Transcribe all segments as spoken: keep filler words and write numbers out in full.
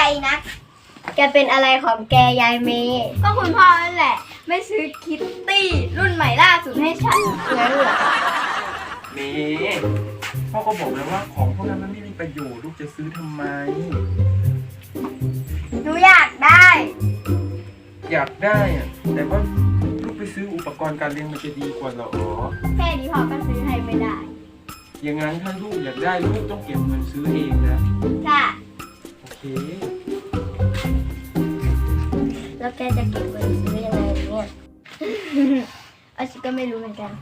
นักแกเป็นอะไรของแกยายเมย์ก็คุณพ่อนั่นแหละไม่ซื้อคิตตี้รุ่นใหม่ล่าสุดให้ฉันงั้นเหรอเมย์พ่อก็บอกแล้วว่าของพวกนั้นมันไม่มีประโยชน์ลูกจะซื้อทำไมหนูอยากได้อยากได้อะแต่ว่าลูกไปซื้ออุปกรณ์การเรียนมันจะดีกว่าเหรอแค่นี้พ่อก็ซื้อให้ไม่ได้อย่างนั้นถ้าลูกอยากได้ลูกต้องเก็บเงินซื้อเองนะค่ะโอเคแล้วแกจะเก็บเงินซื้อยังไงเนี่ยอาชิก็ไม่รู้เหมือนกัน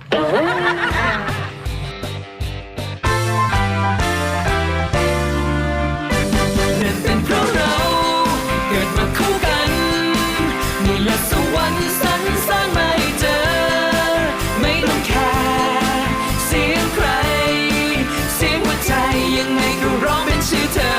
เป็นเพราะเราเกิดมาคู่กันนี่แหละสวรรค์สรรสร้างมาให้เจอไม่ต้องแคร์เสียงใครเสียงหัวใจยังไงก็ร้องเป็นชื่อเธอ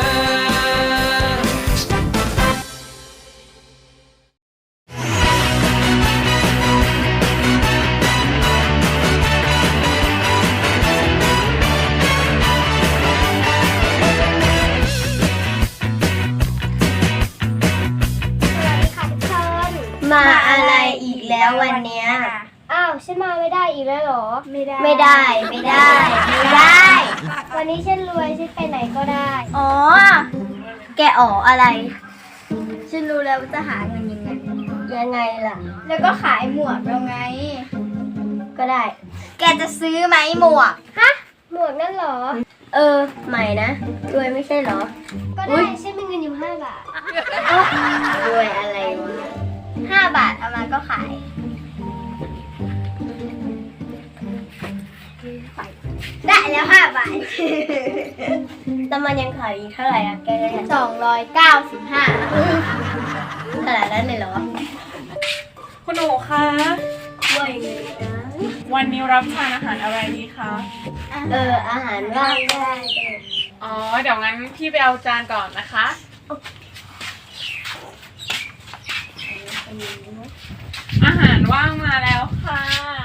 มาอะไรอีกแล้ววันเนี้ยอ้าวฉันมาไม่ได้อีกแล้วหรอไม่ได้ไม่ได้ไม่ได้ไม่ได้วันนี้ฉันรวยฉันไปไหนก็ได้อ๋อแกอ๋ออะไรฉันรู้แล้วว่าจะหาเงินยังไงยังไงล่ะแล้วก็ขายหมวกแล้วไงก็ได้แกจะซื้อไหมหมวกฮะหมวกนั่นหรอเออใหม่นะรวยไม่ใช่หรอก็ได้ฉันมีเงินอยู่ห้าบาทรวยอะไรวะห้าบาทเอามาก็ขายได้แล้วห้าบาทแต่มันยังขายอีกเท่าไหร่อะแกสองร้อยเก้าสิบห้าขนาดนั้นเลยเหรอคุณหนูคะว่ายังไงนะวันนี้รับทานอาหารอะไรดีคะเอออาหารว่างได้อ๋อเดี๋ยวงั้นพี่ไปเอาจานก่อนนะคะอาหารว่างมาแล้วค่ะ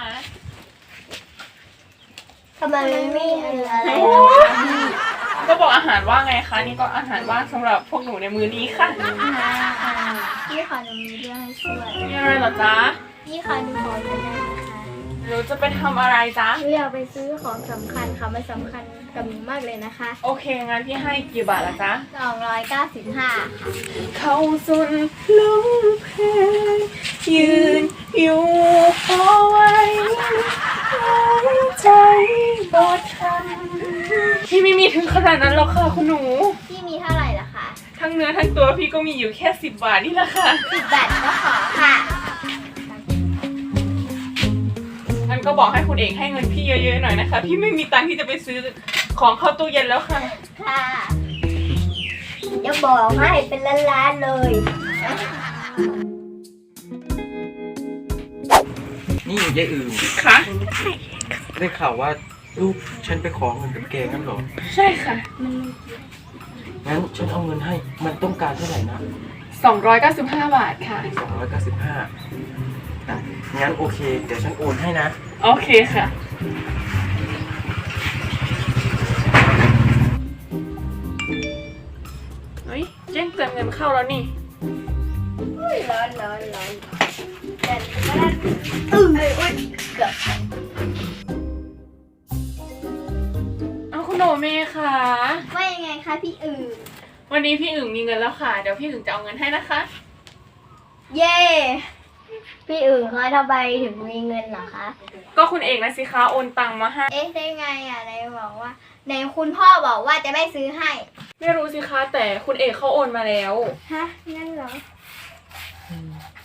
ทำไมไม่มีอะไรก็บอกอาหารว่างไงคะนี่ก็อาหารว่างสำหรับพวกหนูในมื้อนี้ค่ะพี่ขอหนูมีเรื่องให้ช่วยมีอะไรเหรอจ๊ะพี่ขอหนูขอเงินได้ไหมคะหนูจะไปทำอะไรจ๊ะหนูอยากไปซื้อของสำคัญค่ะมันสำคัญกับหนูมากเลยนะคะโอเคงั้นพี่ให้กี่บาทละจ๊ะสองร้อยเก้าสิบห้าเข้าสุนลมเพลงยืนอยู่เอาไว้ใจบดทันพี่ไม่มีถึงขนาดนั้นหรอกค่ะคุณหนูพี่มีเท่าไหร่ล่ะคะทั้งเนื้อทั้งตัวพี่ก็มีอยู่แค่สิบบาทนี่แหละค่ะสิบบาทก็ขอค่ะงั้นก็บอกให้คุณเอกให้เงินพี่เยอะๆหน่อยนะคะพี่ไม่มีตังค์ที่จะไปซื้อของเข้าตู้เย็นแล้วค่ะค่ะจะบอกให้เป็นล้านๆเลยนี่ยายอื่นค่ะได้ข่าวว่าลูกฉันไปขอเงินกับแกงั้นเหรอใช่ค่ะงั้นฉันเอาเงินให้มันต้องการเท่าไหร่นะสองร้อยเก้าสิบห้าบาทค่ะสองร้อยเก้าสิบห้างั้นโอเคเดี๋ยวฉันโอนให้นะโอเคค่ะเฮ้ยแจ้งเตือนเงินเข้าแล้วนี่ร้อนร้อนร้อนแต่ก็ได้อึ้งเลยอุ้ยเกือบเอาคุณโนเมค่ะว่ายังไงคะพี่อึ่งวันนี้พี่อึ่งมีเงินแล้วค่ะเดี๋ยวพี่อึ่งจะเอาเงินให้นะคะเย้พี่อึ่งเขาทำไมถึงมีเงินเหรอคะก็คุณเอกนะสิคะโอนตังมาให้เอ๊ะได้ไงอ่ะไหนบอกว่าไหนคุณพ่อบอกว่าจะไม่ซื้อให้ไม่รู้สิคะแต่คุณเอกเขาโอนมาแล้วฮะงั้นเหรอ